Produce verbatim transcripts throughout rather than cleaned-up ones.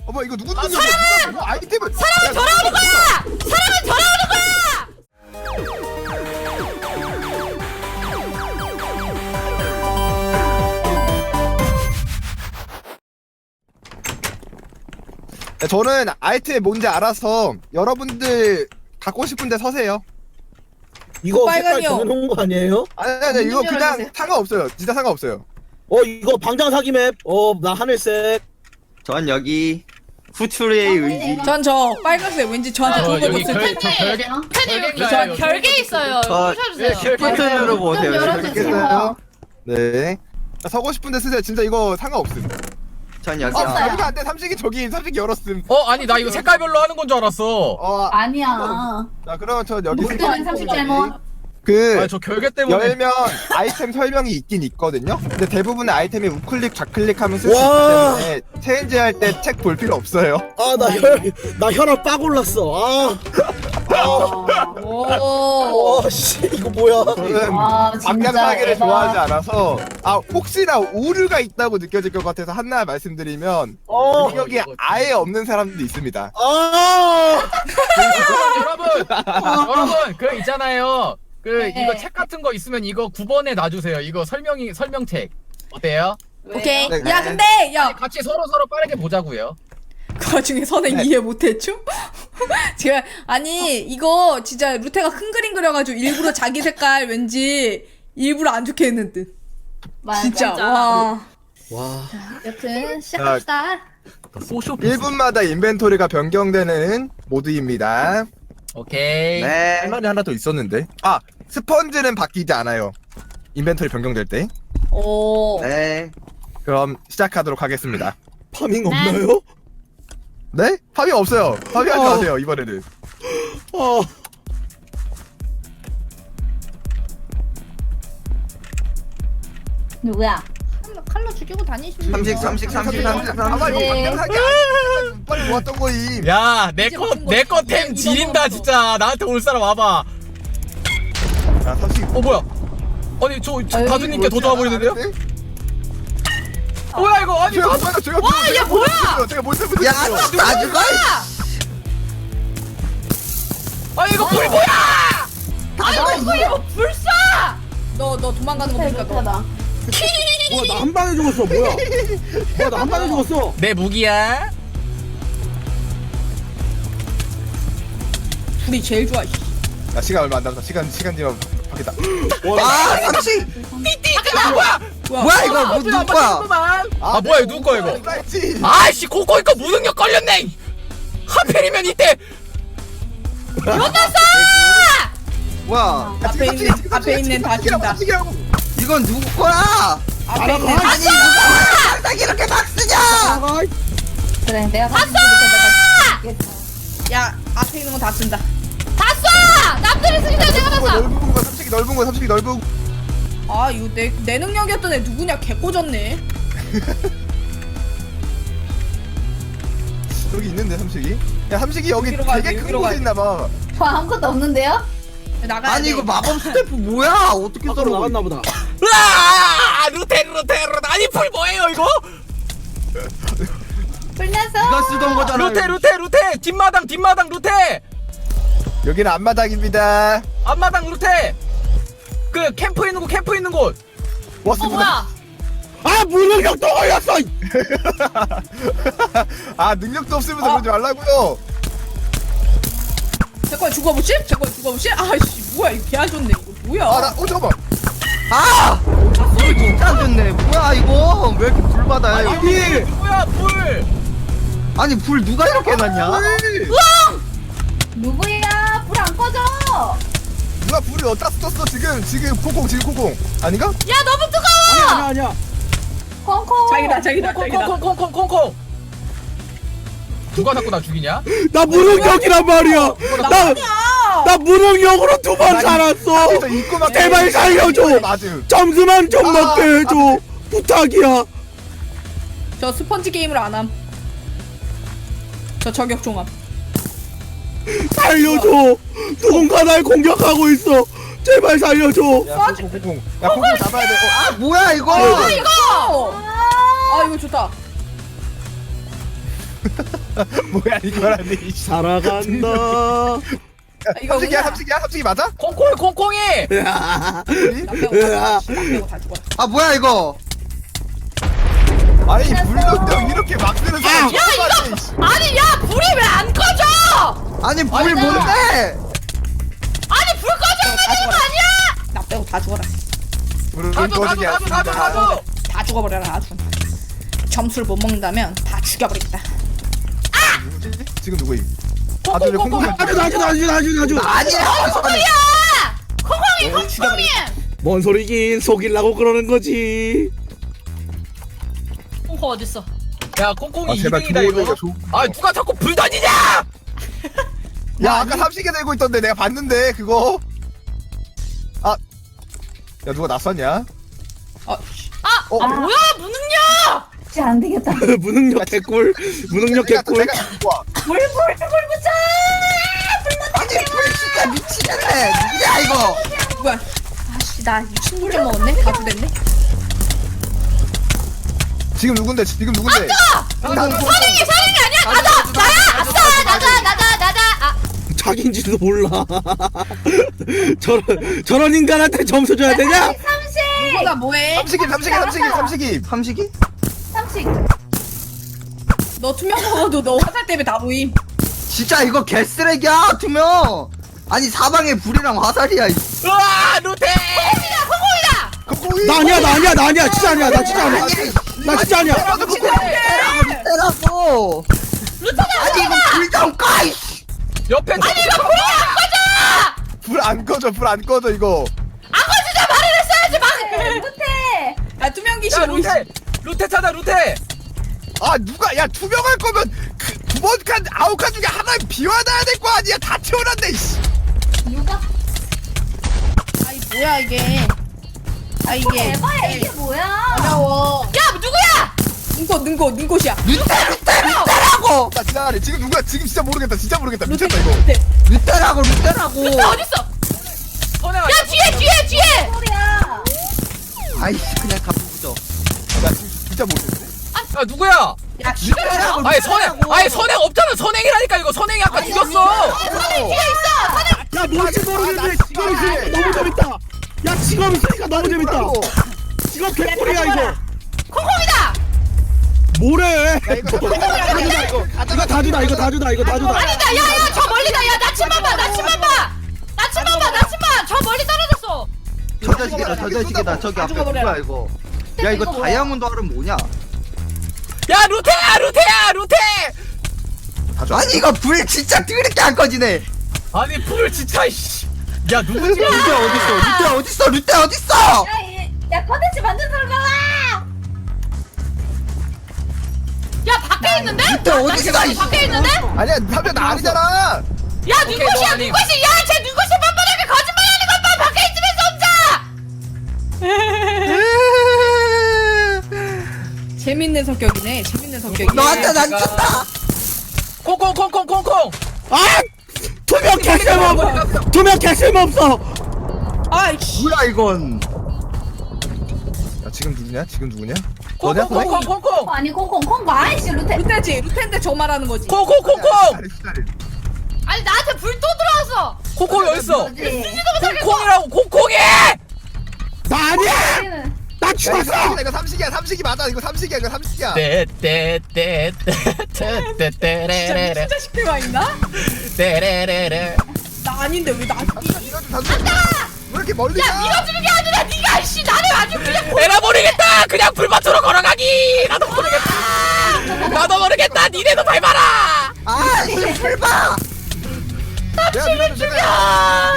어머 이거 누구 아, 누구냐? 사람은! 누가 뭐 아이템을 사람은 돌아오는 거야! 사람은 돌아오는 거야! 야, 저는 아이템이 뭔지 알아서 여러분들 갖고 싶은데 서세요. 이거 색깔 빨강이요. 정해놓은 거 아니에요? 아니 아니 이거 문좀 그냥 열어주세요. 상관없어요. 진짜 상관없어요. 어 이거 방장 사기 맵. 어 나 하늘색. 전 여기 후추의 의지. 전 저 빨간색 왠지 저한테 어, 좋은 거 여기 줬을 결- 때. 저 별개 팬님 별개인가요? 저 여기? 별개 있어요. 저- 부셔주세요. 버튼 눌러보세요. 열어주세요. 네. 자, 서고 싶은데 쓰세요. 진짜 이거 상관없음. 전 여기. 어, 없어요. 여기가 안 돼. 삼식이 저기 삼식이 열었음. 어 아니 나 이거 색깔별로 하는 건 줄 알았어. 어, 아니야. 자 그러면 저 여기 볼 때는 삼십 잘못. 그 아니 저 결계 때문에. 열면 아이템 설명이 있긴 있거든요. 근데 대부분의 아이템이 우클릭 좌클릭하면 쓸 수 있기 와. 때문에 체인지 할 때 책 볼 필요 없어요. 아 나 혈 나 혈압 빡 올랐어. 아. 오. 와 씨 이거 뭐야? 저는 와 방향 진짜 사기를 대박. 좋아하지 않아서 아 혹시나 오류가 있다고 느껴질 것 같아서 하나 말씀드리면 어. 능력이 아예 없는 사람도 있습니다. 아. 여러분 여러분 그 있잖아요. 그 네. 이거 책 같은 거 있으면 이거 구 번에 놔주세요. 이거 설명이 설명책 어때요? 오케이. 네. 야 근데 야 아니, 같이 서로 서로 빠르게 보자고요. 그 와중에 선행 네. 이해 못했죠? 제가 아니 이거 진짜 루테가 큰 그림 그려가지고 일부러 자기 색깔 왠지 일부러 안 좋게 했는 듯. 맞아, 진짜 진짜. 와. 와. 여튼 시작합시다. 소쇼. 일 분마다 인벤토리가 변경되는 모드입니다. 오케이. 네. 할 말이 하나 더 있었는데 아 스펀지는 바뀌지 않아요. 인벤토리 변경될 때. 오. 네. 그럼 시작하도록 하겠습니다. 파밍 없나요? 네? 파밍 없어요. 파밍하지 어. 마세요 이번에는. 아. 누구야? 칼로 죽이고 다니시면 삼식 삼식 삼식 삼식 삼식. 이거 네. 방향하기 아니야. 빨리 모았던 거임. 야, 내 이제 거, 먹은 거 내 거 이제 템 이거 지린다, 먹은 거. 진짜. 나한테 올 사람 와봐. 자 삼식. 어, 뭐야? 아니, 저, 저 다주님께 더 좋아버리는데요? 뭐야, 이거? 아니, 제가 다주, 뭐야 제가 와, 이게 뭐야? 제가 뭘 잘못했어요? 야, 나 죽어. 아니, 이거 불 뭐야? 아이고 이거 불사! 너너 도망가는 거 보니까 너. 못하다. 뭐야 나 한 방에 죽었어. 뭐야? 뭐야 나 한 방에 죽었어. 내 무기야? 둘이 제일 좋아. 씨. 야 시간 얼마 안 남았다. 시간 시간 뒤면 바뀌다. 아, 삼식. 뭐야? 뭐야 이거 뭐 누구 거야? 아, 뭐야, 이거 누구 거야, 이거? 나이지. 아이씨, 코코 이거 무능력 걸렸네! 하필이면 이때! 뭐야? 앞에 있는 앞에 있는 다 준다. 삼식이라고. 이건 누구 거야? 앞에 있는 다 아니 누가 항상 이렇게 막 쓰냐? 아. 그래 내가 봤어! 야 앞에 있는 거 다 쓴다. 다 쏴! 남들이 쓰기 전에 내가 넓은 거, 봤어! 넓은 거 삼식이 넓은 거 삼식이 넓은 거. 아 이거 내 내 능력이었던 애 누구냐 개 꽂았네. 여기 있는데 삼식이? 야 삼식이 여기 여기로 가야 되게 돼, 큰 여기로 곳에 가야 돼. 있나 봐. 저 아무것도 없는데요? 나가야 아니 돼. 이거 마법 스태프 뭐야? 어떻게 밖으로 썰어? 나갔나 보다. 으아! 루테, 루테, 루테. 아니, 불 뭐예요, 이거? 불나서! 네가 쓰던 거잖아. 루테, 루테, 루테! 뒷마당, 뒷마당, 루테! 여기는 앞마당입니다. 앞마당, 루테! 그, 캠프 있는 곳, 캠프 있는 곳! 어 왔습니다. 뭐야? 아 무능력 또 걸렸어. 아 능력도 없으면서 그러지 말라고요. 제거 죽어보시? 제거 죽어보시? 아이씨 뭐야 이거 개안 좋네 이거 뭐야? 아나 어 잠깐만. 아! 소리 진짜 안 좋네. 뭐야 이거? 왜 이렇게 불 받아요 여기? 아니, 누구야, 불! 아니 불 누가 이렇게 해놨냐? 누구야? 불 안 꺼져! 누가 불을 어디다 썼어 지금 지금 콩콩 지금 콩콩 아닌가? 야 너무 뜨거워! 아니야 아니야. 콩콩! 자기다 자기다 자기다. 콩콩콩콩콩콩콩! 누가 자꾸 나 죽이냐? 나 무능력이란 말이야. 나 나 무능력으로 두 번 살았어. 그래서 입고 막 제발 살려줘. 맞음. 점수만 좀 아, 먹게 해줘. 부탁이야. 저 스펀지 게임을 안 함. 저 저격 종합. 살려줘. 누군가 날 공격하고 있어. 제발 살려줘. 야 콩콩 콩콩. 야 콩콩 잡아야 돼. 어, 아 뭐야 이거? 아 이거! 아 이거 좋다. 뭐야 이거라니. 이씨. 살아간다. 아, 이거 삼식이야 은하. 삼식이야 삼식이 맞아? 콩콩이 콩콩이. 으아. 나 빼고 다, 나 빼고 다 죽어라. 아 뭐야 이거? 아니 불던데 이렇게 막 쓰는 사람. 야 이거 아니 야 불이 왜 안 꺼져? 아니 불 뭔데? 아니 불 꺼져야 되는 거 아니야? 나 빼고 다 죽어라. 불은 가져 가져 꺼지게 가져 가져 않습니다. 가져. 다 죽어버려라 아주. 점수를 못 먹는다면 다 죽여버리겠다. 누구지? 지금 누구임? 다들 왜 콩콩이 나주 나주 나주 나주 나주. 아니야. 콩콩이 콩콩이 콩콩이. 뭔 소리긴 속이려고 그러는 거지. 콩콩 어딨어? 야 콩콩이 아 제발 이 등이다 이거. 좋은 조. 아 누가 자꾸 불 던지냐? 야 아까 삼식이 들고 있던데 내가 봤는데 그거. 아. 야 누가 낯섰냐? 어, 아, 어? 아 뭐야 무능력! 진짜 안 되겠다. 무능력 개꿀. 무능력 내가 개꿀. 내가 와. 불, 불, 불 붙여! 아니 불 진짜 미치겠네. 누구야 이거? 뭐야? 아씨 나 친구 좀 먹었네. 가도 됐네. 지금 누군데? 지금 누군데? 선행이 선행이 아니야 나다 나야 아싸 나다 나다 나다 아 자기인지도 몰라. 저런 저런 인간한테 점수 줘야 되냐? 누가 뭐해? 삼식이 삼식이 삼식이 삼식이. 삼식이? 삼식. 너 투명 먹어도 너 화살 때문에 다 보임. 진짜 이거 개쓰레기야 투명. 아니 사방에 불이랑 화살이야. 이. 으아 루테. 콩콩이. 나 아니야 나 아니야 나 아니야 진짜 아니야 나 진짜 아니야. 나 진짜 아니야. 때라고. 아니 이거 불좀 꺼. 이씨. 옆에 아니 이거 불 안 꺼져 불 안 꺼져 이거. 못해! 아 투명 귀신 야 뭐 있어? 루테 루테 찾아 루테. 아 누가 야 투명할 거면 그 두 번 칸 아홉 칸 중에 하나 비워놔야 될 거 아니야. 다 채워놨네. 씨. 누가? 아이 뭐야 이게? 아 이게 에바야, 이게 뭐야? 어려워. 야 누구야? 눈꽃 눈꽃 눈꽃이야. 루테라고. 나 지나가네. 지금 누구야? 지금 진짜 모르겠다. 진짜 모르겠다. 미쳤다 이거. 루테. 루테라고 루테라고. 어딨어? 선행아. 야 뒤에 뒤에 뒤에! 소리야! 아이씨 그냥 가보죠. 나 지금 진짜 모르겠네. 아 누구야? 야 루테라고. 아니 선행 아니 선행 없잖아. 선행이라니까 이거 선행이 아까 죽였어. 야 뭔지 모르겠는데 직업 있으니까 너무 재밌다. 야 직업 있으니까 너무 재밌다. 직업 개꿀이야 이거. 콩콩이다! 뭐래? 야 이거 다주다 이거. 이거 다주다 이거 다주다 이거 다주다. 아니다 야야 저 멀리다 야 나침만 봐 나침만 봐 나침만 봐 나침만 저 멀리 떨어졌어 저 자식이다 저 자식이다 저기 앞에 누구야 이거? 야 이거 다이아몬드 알은 뭐냐? 야 루테야 루테야 루테. 아니 이거 불 진짜 드럽게 안 꺼지네. 아니 불 진짜 이씨. 야 누구지? 루테 어딨어? 루테 어딨어? 루테 어딨어? 야, 이, 야, 컨텐츠 만든 사람 나와! 야 밖에 있는데? 루테 어딨어? 이씨. 밖에 있는데? 아니야 삼촌 나 아니잖아. 야 오케이, 눈꽃이야 너 아니. 눈꽃이 야쟤 눈꽃이 뻔뻔하게 거짓말하는 것 봐 밖에 있으면서 혼자 재밌는 성격이네. 재밌는 성격이. 너한테 난 쳤다. 콩콩콩콩콩콩. 아! 투명 개쓸모 없어. 투명 개쓸모 없어. 아이씨. 뭐야 이건? 야 지금 누구냐? 지금 누구냐? 너냐? 콩콩콩콩콩콩. 아니, 콩콩, 콩콩, 아이씨, 루테. 루테지. 루테인데 저 말하는 거지. 콩콩콩콩. 기다려, 기다려. 아니 나한테 불 또 들어왔어 콩콩이 어딨어? 뭐지? 콩콩이라고 콩콩이. 나 아니야. 우리는 나 야 이거 죽었어. 삼식이다 이거 삼식이야 삼식이 맞아 이거 삼식이야 이거 삼식이야. 네. 떼떼떼떼떼떼떼레레레 진짜 진짜 식대가 있나? 떼레레레. 나 아닌데 왜 나? 이거 좀 삼식. 왜 이렇게 멀리 야 가? 밀어주는 게 아니라 네가 씨 나를 아주 그냥 에라 모르겠다. 그냥 불밭으로 걸어가기. 나도 모르겠다. 나도 모르겠다. 니네도 밟아라. 아 이거 불 봐. 내가 내가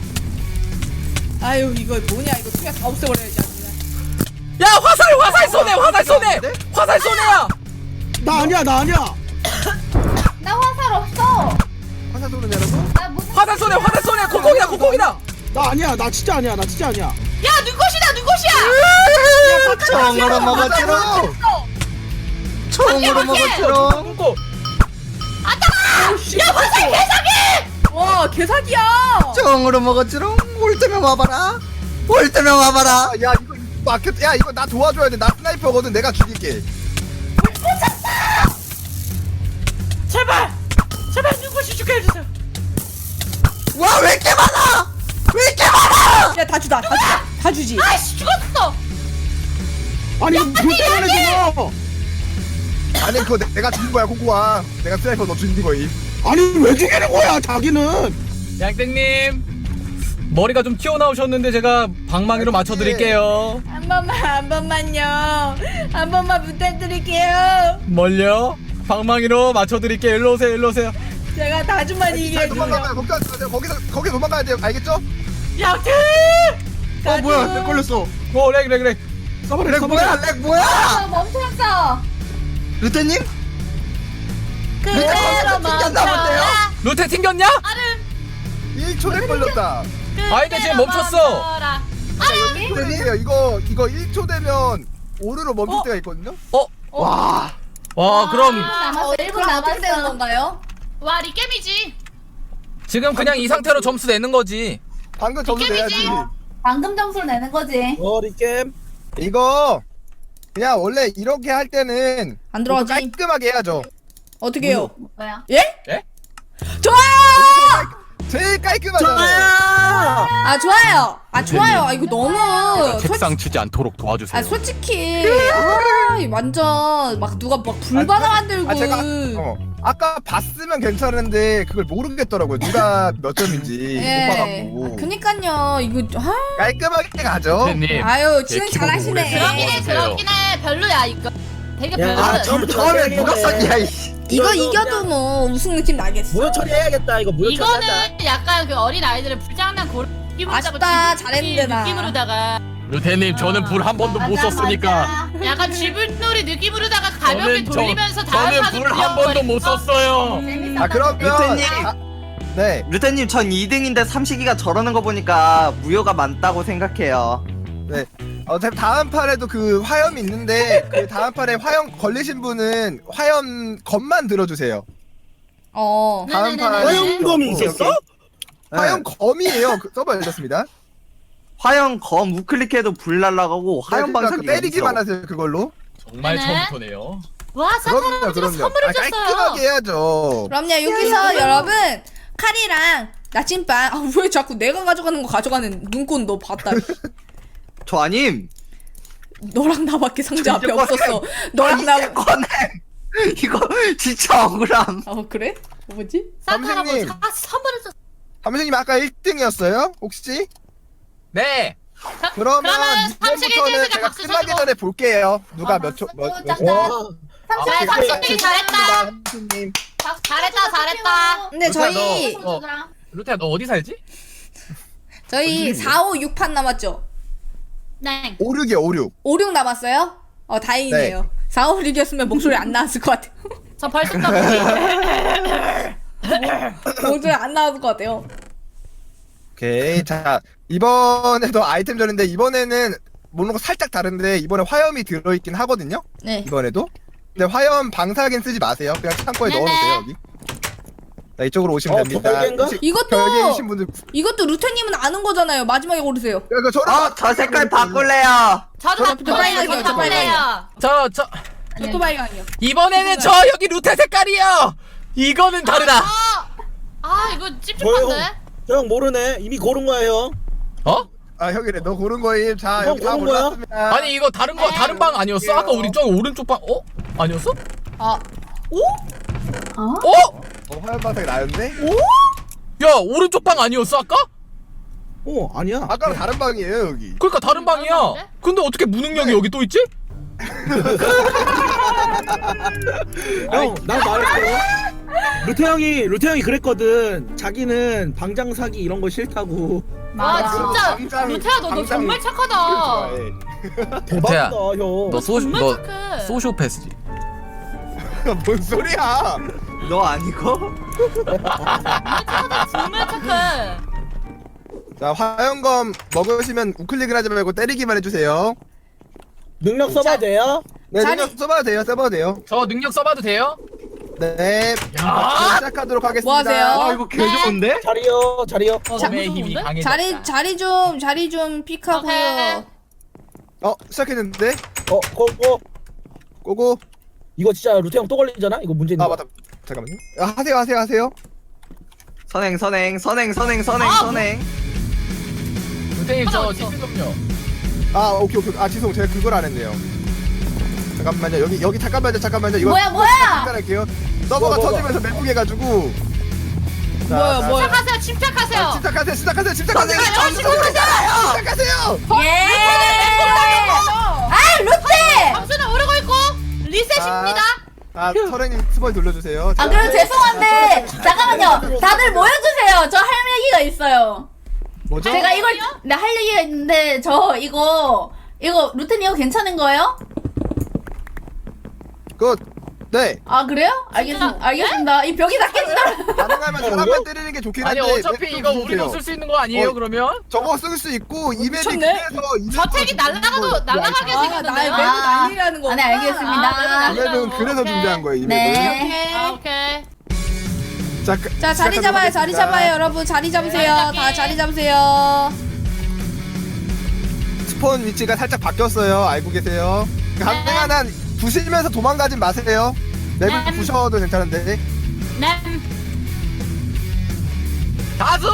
아유 이거 뭐냐 이거 투명 다 없애버려야지 아주 그냥. 야 화살 화살 쏘네 화살 쏘네 화살 쏘네야. 나 아니야 나 아니야. 나 화살 없어! 화살 쏘는 여러분. 나 무슨. 화살 쏘네 화살 쏘네 콩콩이다 콩콩이다. 나 아니야 나 진짜 아니야 나 진짜 아니야. 야 눈꽃이다 눈꽃이야 총으로 먹었지롱. 총으로 먹었지롱. 콩콩. 야 화살 개사기 와 개사기야. 총으로 먹었지롱. 올 때면 와봐라. 올 때면 와봐라. 아, 야 이거 막혔. 야 이거 나 도와줘야 돼. 나 스나이퍼거든. 내가 죽일게. 주다 다 주다 다 주지. 아이씨 죽었어. 아니 이거 불 꺼내줘. 아니 그거 내- 내가 죽인 거야 코코아. 내가 스나이퍼 너 죽인 거임. 아니 왜 죽이는 거야 자기는. 양땡님 머리가 좀 튀어나오셨는데 제가 방망이로 맞춰드릴게요. 한 번만 한 번만요. 한 번만 부탁드릴게요. 뭘요? 방망이로 맞춰드릴게요. 일로 오세요. 일로 오세요. 제가 다주만 이기게 잘 해주세요. 도망가요. 거기서 거기서 거기 도망가야 돼요. 알겠죠? 양팀. 어 뭐야 내 걸렸어. 오, 렉, 렉, 렉. 써버려 렉 써버려. 뭐야 렉 뭐야? 아, 멈췄어. 루테님? 그대로 튕겼나 본데요? 루테 튕겼냐? 일 초에 걸렸다. 아니, 근데 지금 멈췄어. 일 초예요. 이거 이거 일 초 되면 오르로 멈출 어? 때가 있거든요. 어? 와. 와, 그럼 남았어. 일 분 그럼 어떻게 되는 남았어. 건가요? 와 리겜이지. 지금 그냥 이 상태로 점수 내는 거지. 방금 점수 내야지. 게임이지. 방금 점수를 내는 거지. 어리 게임. 이거 그냥 원래 이렇게 할 때는 안 들어가지? 깔끔하게 해야죠. 어떻게 해요? 뭐야? 예? 예? 좋아요. 제일 깔끔하잖아요. 아 좋아요. 아 좋아요. 아 이거 너무 책상 치지 않도록 도와주세요. 아 솔직히 아 완전 막 누가 막 불바다 만들고 아 제가 어, 아까 봤으면 괜찮은데 그걸 모르겠더라고요. 누가 몇 점인지 못 예. 봐갖고. 그니까요 이거 아, 깔끔하게 가죠. 루테님. 아유 제 진행 키보드 오래 잘하시네. 쓰는 그러긴 해 보세요. 그러긴 해. 별로야 이거. 되게 야, 별로야. 아 처음 처음에 누가 썼냐 이씨. 이거 이겨도 뭐 우승 느낌 나겠어. 무효 처리해야겠다 이거 무효 처리하자. 이거는 약간 그 어린 아이들의 불장난 고기으로다가 아쉽다. 잘했는데, 나. 느낌으로다가 루테님 저는 불 한 번도 못 맞아, 썼으니까. 맞아. 약간 쥐불놀이 느낌으로다가 가볍게 저는 저- 돌리면서 다음 저는 판을 불 한 번도 못 불려버렸어. 썼어요. 재밌었다. 아 그러면 루테님. 아, 네. 루테님 전 이 등인데 삼식이가 저러는 거 보니까 무효가 많다고 생각해요. 어차피 다음 판에도 그 화염이 있는데 그 다음 판에 화염 걸리신 분은 화염 검만 들어주세요. 어. 다음 판 화염검이 있었어? 화염 검이에요. 그 서버 열렸습니다. 화형 검 우클릭해도 불 날라가고 화형 그러니까 방사기 그 때리기만 하세요 그걸로. 정말 네네. 처음부터네요. 와 그럼요, 산사람들가 그럼요. 선물을 아, 줬어요. 깔끔하게 해야죠. 그럼요 여기서 여러분 칼이랑 나침반 아 왜 자꾸 내가 가져가는 거 가져가는 눈꽃 너 봤다. 저 아님. 너랑 나밖에 상자 앞에 이제 꺼내. 없었어. 너랑 나. 이제 꺼내. 이거 진짜 억울함. 어 그래? 뭐지? 삼식님. 산사람들 아 선물을 줬어. 삼식님 아까 일 등이었어요? 혹시? 네. 그러면 그러면 삼식에 이번부터는 대해서 제가 박수 끝나기 쳐주고. 전에 볼게요. 누가 어, 몇 초, 몇, 박수 몇 쳤다. 와. 그래 삼식이 잘했다. 삼식님. 잘했다 잘했다. 근데 루테야, 저희 너, 어, 루테야 너 어디 살지? 저희 사, 오, 육 판 남았죠? 네. 오륙이요, 오륙. 오, 육 남았어요? 어 다행이네요. 사, 오, 육이었으면 목소리 안 나왔을 것 같아요. 저 벌써 떠보기. 목소리 안 나왔을 것 같아요. 오케이. 자, 이번에도 아이템전인데, 이번에는 모르는 거 살짝 다른데, 이번에 화염이 들어있긴 하거든요? 네. 이번에도. 근데 화염 방사기는 쓰지 마세요. 그냥 창고에 네네. 넣어놓으세요, 여기. 자, 이쪽으로 오시면 어, 됩니다. 별개인가? 혹시 이것도 별개이신 분들. 이것도 루테님은 아는 거잖아요. 마지막에 고르세요. 그러니까 저랑 어, 저 색깔 바꿀래요. 저도 저- 바꿔요. 빨간이요, 저도 저 빨간이요. 바꿔요. 저, 저, 저도 발광이요. 이번에는 저 여기 루테 색깔이요! 이거는 다르다. 아, 아 이거 찝찝한데? 저 형 모르네. 이미 고른 거야 형. 어? 아, 형이래. 너 고른 거임. 자, 형 여기 다 고른 거야? 골랐습니다. 아니 이거 다른 거 다른 방 아니었어? 아까 우리 저 오른쪽 방 어? 아니었어? 아, 어? 어? 어, 화염 방사기 나였는데? 야 오른쪽 방 아니었어 아까? 어 아니야. 아까랑 다른 방이에요, 여기. 그러니까 다른 방이야. 방인데? 근데 어떻게 무능력이 여기 또 있지? 형, 난 말했어. 루테 형이 루테 형이 그랬거든. 자기는 방장 사기 이런 거 싫다고. 와 맞아. 진짜 방장- 루테야 너, 너 방장- 정말 착하다. 좋아해. 대박이다 형. 너 소시 정말 너 착해. 소시오패스지. 뭔 소리야? 너 아니고? 정말 착해. 자, 화염검 먹으시면 우클릭을 하지 말고 때리기만 해주세요. 능력 써봐도 돼요? 네, 자리- 능력 써봐도 돼요, 써봐도 돼요. 저 능력 써봐도 돼요? 네, 야! 시작하도록 하겠습니다. 뭐 하세요? 와 이거 개 좋은데? 자리요 자리요. 검의 힘이 좋은데? 강해졌다. 자리 자리 좀 자리 좀 픽하고요. 오케이. 어, 시작했는데? 어 고고. 고고. 이거 진짜 루테 형 또 걸리잖아. 이거 문제 있는 아, 거. 맞다. 잠깐만요. 아, 하세요, 하세요, 하세요. 선행 선행 선행 선행 선행 아, 선행. 루테님 저 어딨어? 디스 좀요. 아 오케이 오케이. 아 지송 제가 그걸 안 했네요. 잠깐만요. 여기 여기 잠깐만요. 잠깐만요. 이거 뭐야, 뭐야? 할게요. 서버가 뭐, 뭐, 터지면서 멘붕 해가지고. 자, 뭐야, 자, 뭐야. 침착하세요 침착하세요. 자, 침착하세요. 침착하세요. 침착하세요. 아, 침착하세요. 침착하세요. 예. 아 루테. 점수는 오르고 있고 리셋입니다. 아 서랭님 스벌 돌려주세요. 아 그럼 죄송한데 잠깐만요. 다들 모여주세요. 저 할 얘기가 있어요. 뭐죠? 제가 이걸 네, 할 얘기가 있는데 저 이거 이거 루테님 이거 괜찮은 거예요? 그 네. 아 그래요? 알겠습니다. 알겠습니다. 이 벽이 다 깨지더라. 가능하면 사람만 때리는 게 좋긴 아니 한데. 어차피 맵 좀 이거 주세요. 우리도 쓸 수 있는 거 아니에요 어. 그러면? 저거 쓸 수 있고 이맵이 미쳤네. 그래서 이맵 저택이 날아가도 날아가게 아, 생겼는데요. 나의 맵을 아. 날리라는 거. 아, 네 알겠습니다. 아, 네, 네. 이맵은 그래서 오케이. 준비한 거예요. 이 네. 맵은. 오케이 아, 오케이. 자, 그- 자, 자리 시작하도록 잡아요. 자리 하겠습니다. 잡아요. 여러분 자리 잡으세요. 네, 다 자리 잡으세요. 스폰 위치가 살짝 바뀌었어요. 알고 계세요? 가능한 한 부시면서 도망가진 마세요. 맵을 네. 부셔도 괜찮은데. 네. 다수!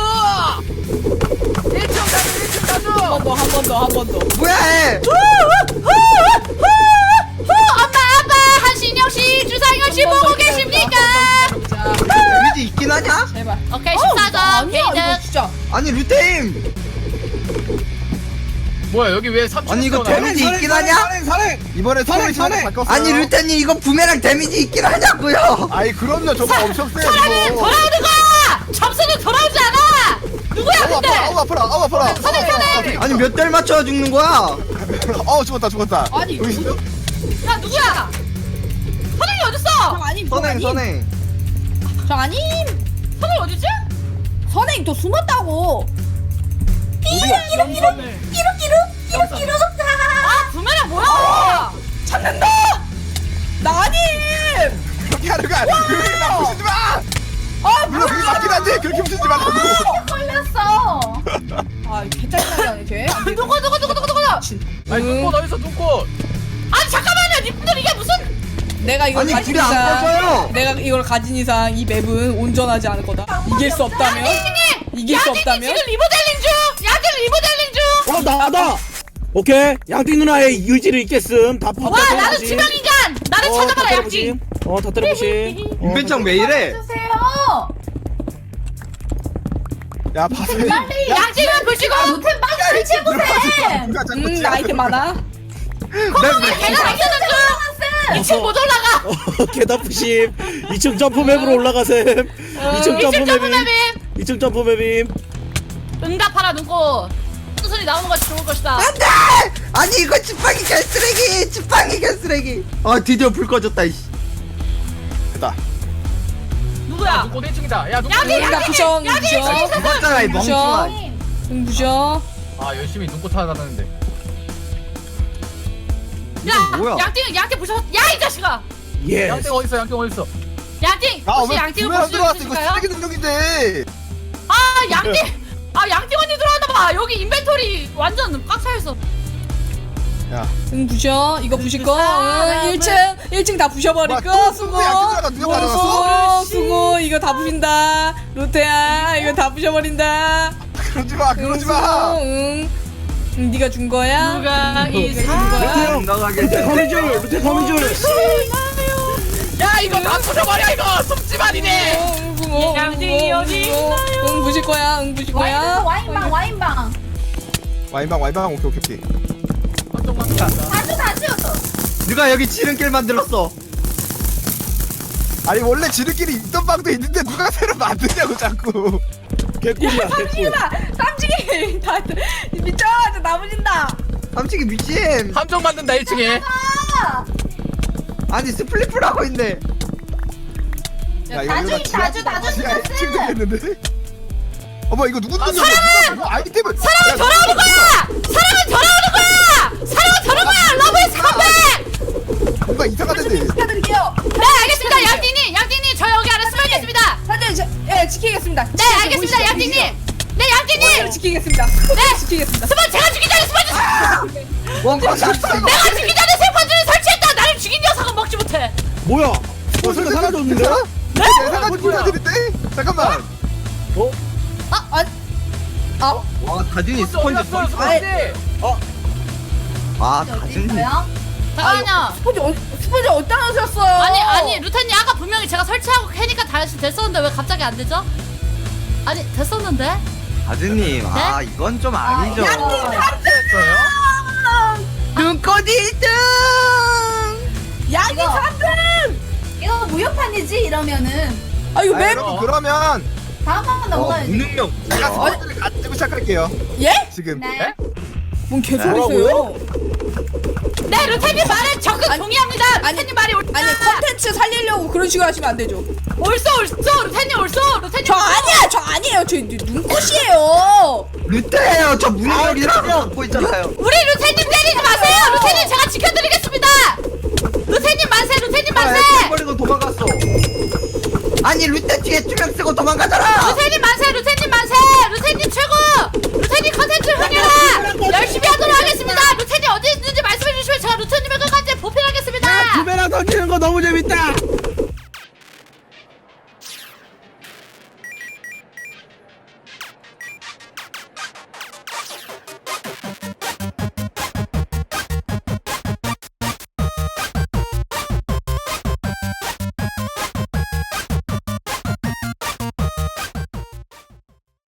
일 층 다수 일 층 다수! 한 번 더, 한 번 더, 한 번 더. 뭐야 해? 엄마 아빠 한신영 씨 주상현 씨 보고 계십니까? 자, 데미지 있긴 하냐? 제발. 오케이 어, 십사 점 아니야, 이거 게이드. 진짜. 아니 루테임 뭐야 여기 왜 삼 층 아니 이거 데미지 있긴 하냐? 이번에 스폰 선행, 위치가 선행. 바뀌었어요. 아니 루테님 이거 부메랑 데미지 있긴 하냐고요? 아이 그럼요. 저거 엄청 세요. 사람은 이거. 돌아오는 거야. 점수는 돌아오지 않아. 누구야 아우 근데? 아파라. 아우 아파라. 아우 아파라. 선행, 선행. 아니 몇 달 맞춰 죽는 거야? 어 죽었다 죽었다. 아니, 여기 있어? 야 누구야? 선행이 저 어딨어? 아님, 저 선행 아님. 선행 저 아님. 선행 어디지? 선행 또 숨었다고. 어디야? 영선을 아 부메랑 뭐야? 나 아님. 그렇게 하는 거 아니야. 그렇게 나 부시지 마. 아, 물론 그게 맞긴 한데 그렇게 부시지 말라고. 걸렸어. 아, 개짜증나게 하네, 쟤. 안 돼. 누구 누구 누구 누구 누구? 아니 눈꽃 어딨어 눈꽃? 아니 잠깐만요. 님들 이게 무슨? 내가 이걸 아니 가진 불이 안 이상 꺼져요. 내가 이걸 가진 이상 이 맵은 온전하지 않을 거다. 이길 수 없다면 이길 수 야진이 없다면 지금 리모델링 중. 야진 리모델링 중. 어 나다. 오케이. 양띵 누나의 의지를 잊겠음. 다 푸. 와 나는 지명인간. 나를 찾아봐라 양진. 어다 때려보시. 인벤창 왜 이래? 주세요. 야 봐서. 양진을 보시고. 아 루테 빨리 설치해 보세요. 누가 자꾸 음 지나가는 아이템 많아. 걔가 당겨는 중. 이 층 못 올라가. 어, 개다프심. 이 층 점프 맵으로 올라가셈. 이 층 이 점프 층 점프 맵임. 맵임. 이 층 점프 맵임. 응답하라 눈꽃. 수순이 나오는 것이 좋을 것이다. 안돼! 아니 이거 지팡이 개쓰레기! 지팡이 개쓰레기! 아 드디어 불 꺼졌다 이씨. 됐다. 누구야? 눈꽃 일 층이다. 야 눈꽃. 야진 응, 나 부셔, 응, 야진 부셔. 야진 죽었잖아 이 멍청아. 응, 부셔. 아 열심히 눈꽃 하다는데. 야 뭐야? 양띵 양띵 부셔. 야이 자식아. 예. 양땡 어딨어 양땡 어딨어? 양띵 아 혹시 왜 양띵을 구매랑 볼수 들어왔어? 이거 있으실까요? 쓰레기 능력인데. 아 양띵. 아 양띵 언니 들어왔나 봐. 여기 인벤토리 완전 꽉 차 있어. 야. 응, 부셔. 이거 부실 거. 응, 일 층 일 층 다 부셔버릴 와, 거. 또 수고. 수고, 야, 누가 누가 어, 가져갔어? 수고. 수고. 이거 다 부신다. 루테야, 이거 다 부셔버린다. 그러지 마. 응, 그러지 수고. 마. 응. 응, 네가 준 거야? 누가 이 네가 준 거야? 건강하게 루테 거미줄. 루테 거미줄. 야 이거 다 부숴버려 이거 숨지만이네. 응, 붕어. 응, 양띵이 붕어, 어디 붕어. 있나요? 응, 부실 거야. 응, 부실 거야. 와인방 와인방. 와인방 와인방 오케이 오케이 오케이. 한쪽만 간다. 다주 다주. 누가 여기 지름길 만들었어? 아니 원래 지들끼리 있던 방도 있는데 누가 새로 만드냐고 자꾸. 개꿀이야 개꿀. 삼식이다. 삼식이. 다 미쳐. 저 나무진다. 삼식이 미친. 함정 만든다 일 층에. 아니 스플릿풀 하고 있네. 야, 이거 다주, 이러다 다주, 지하- 다주 지하에 죽었어. 층 되겠는데? 어머 이거 누구 능력이야? 누가 뭐 아이템을 사랑은 돌아오는 거야. 사랑은 돌아오는 거야. 사랑은 저런 거야. 러브 이즈 컴백. 뭔가 이상하던데. 축하드릴게요. 네 알겠습니다 양띵님. 양띵님 저 여기 안에 숨어 있겠습니다. 사장님, 저, 예, 지키겠습니다. 네 알겠습니다 양띵님. 네 양띵님. 네, 지키겠습니다. 네, 지키겠습니다. 스펀 제가 죽기 전에 스펀지. 원고 샀어 이거. 내가 죽기 전에 스펀지를 설치했다. 나를 죽인 녀석은 먹지 못해. 뭐야? 어, 스포츠가 사라졌는데? 네? 예상하지 못하는데? 잠깐만. 어? 아, 아, 아, 와 다준이 스펀지 서 있어. 아 다준이. 뭐야? 잠깐만요. 스포츠 어, 스포츠 어디다 놓으셨어요? 아니 아니 루테님 아까 분명히 제가 설치하고 캐니까 다시 됐었는데 왜 갑자기 안 되죠? 아니 됐었는데? 다준님 아 이건 좀 아니죠. 눈꽃 일 등. 양이 이거. 삼 등. 이거 무효판이지 이러면은 아 이거 아, 맵 여러분 그러면 다음 한번 어 넘어가야지. 무능력. 제가 뭐야? 스포츠를 가지고 시작할게요. 예? 지금. 네. 뭔 개소리세요? 네 루테님 말에 적극 동의합니다. 루테님 말이 옳다. 아니 컨텐츠 살리려고 그런 식으로 하시면 안 되죠. 옳소 옳소 루테님 옳소 루테님. 저 아니야, 저 아니에요. 저 눈꽃이에요. 루테예요. 저 무능력이라고 갖고 있잖아요. 우리 루테님 때리지 마세요. 루테님 제가 지켜드리겠습니다. 루테님 만세 루테님 아, 만세. 애 버리고 도망갔어. 아니 루테 뒤에 투명 쓰고 도망가잖아. 루테님 만세 루테님 만세 루테님 최고. 루테님 컨텐츠 흥해라. 열심히 하도록 하겠습니다. 루테님 어디 있는지 말씀해 주시면 제가 루테님을 끝까지 보필하겠습니다. 두 배나 던지는 거 너무 재밌다.